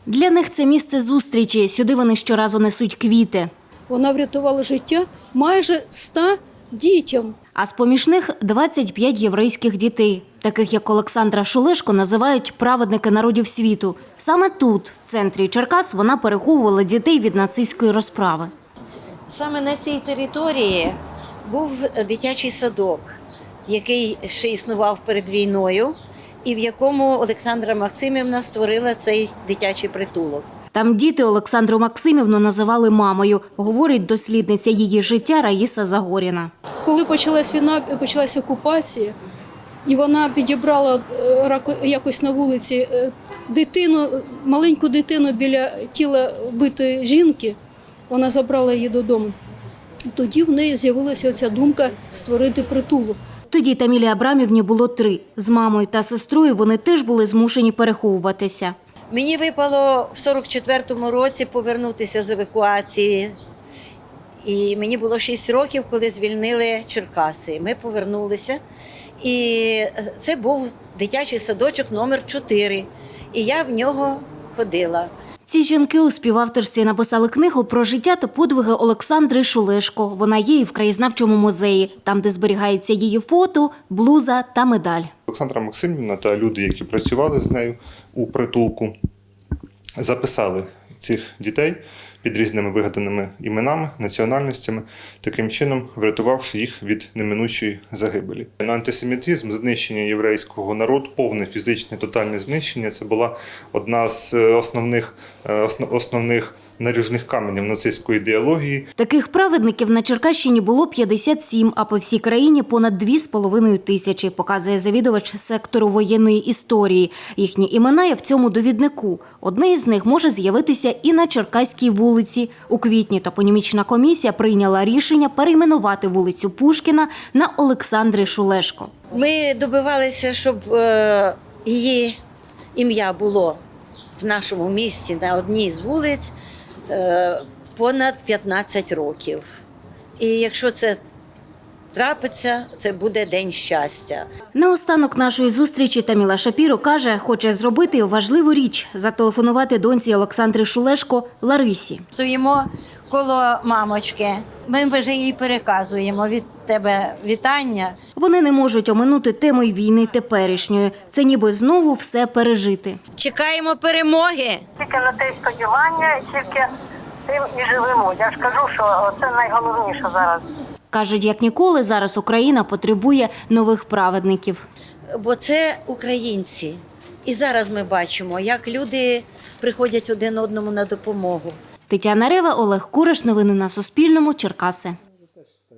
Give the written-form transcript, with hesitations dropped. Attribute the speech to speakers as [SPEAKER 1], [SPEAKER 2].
[SPEAKER 1] Для них це місце зустрічі. Сюди вони щоразу несуть квіти.
[SPEAKER 2] Вона врятувала життя майже 100 дітям.
[SPEAKER 1] А з-поміж них 25 єврейських дітей. Таких, як Олександра Шулешко, називають праведники народів світу. Саме тут, в центрі Черкас, вона переховувала дітей від нацистської розправи.
[SPEAKER 3] Саме на цій території був дитячий садок, який ще існував перед війною, і в якому Олександра Максимівна створила цей дитячий притулок.
[SPEAKER 1] Там діти Олександру Максимівну називали мамою, говорить дослідниця її життя Раїса Загоріна.
[SPEAKER 2] Коли почалась війна, почалася окупація, і вона підібрала якось на вулиці дитину, маленьку дитину біля тіла вбитої жінки, вона забрала її додому. І тоді в неї з'явилася оця думка створити притулок.
[SPEAKER 1] Тоді Тамілі Абрамівні було 3. З мамою та сестрою вони теж були змушені переховуватися.
[SPEAKER 3] Мені випало в 44-му році повернутися з евакуації. І мені було 6 років, коли звільнили Черкаси. Ми повернулися. І це був дитячий садочок номер 4. І я в нього ходила.
[SPEAKER 1] Ці жінки у співавторстві написали книгу про життя та подвиги Олександри Шулешко. Вона є і в краєзнавчому музеї, там, де зберігається її фото, блуза та медаль.
[SPEAKER 4] Олександра Максимівна та люди, які працювали з нею у притулку, записали цих дітей під різними вигаданими іменами, національностями, таким чином врятувавши їх від неминучої загибелі. Антисемітизм, знищення єврейського народу, повне фізичне тотальне знищення – це була одна з основних наріжних каменів нацистської ідеології.
[SPEAKER 1] Таких праведників на Черкащині було 57, а по всій країні понад 2,5 тисячі, показує завідувач сектору воєнної історії. Їхні імена є в цьому довіднику. Одне із них може з'явитися і на Черкаській вулиці. У квітні топонімічна комісія прийняла рішення перейменувати вулицю Пушкіна на Олександри Шулешко.
[SPEAKER 3] Ми добивалися, щоб її ім'я було в нашому місті на одній з вулиць понад 15 років. І якщо це трапиться, це буде день щастя.
[SPEAKER 1] Наостанок нашої зустрічі Таміла Шапіро каже, хоче зробити важливу річ – зателефонувати доньці Олександри Шулешко Ларисі.
[SPEAKER 3] Стоїмо коло мамочки, ми вже їй переказуємо від тебе вітання.
[SPEAKER 1] Вони не можуть оминути тему й війни теперішньої. Це ніби знову все пережити.
[SPEAKER 3] Чекаємо перемоги.
[SPEAKER 5] Тільки на те сподівання, тільки тим і живемо. Я ж кажу, що це найголовніше зараз.
[SPEAKER 1] Кажуть, як ніколи зараз Україна потребує нових праведників.
[SPEAKER 3] Бо це українці. І зараз ми бачимо, як люди приходять один одному на допомогу.
[SPEAKER 1] Тетяна Рева, Олег Кураш. Новини на Суспільному. Черкаси.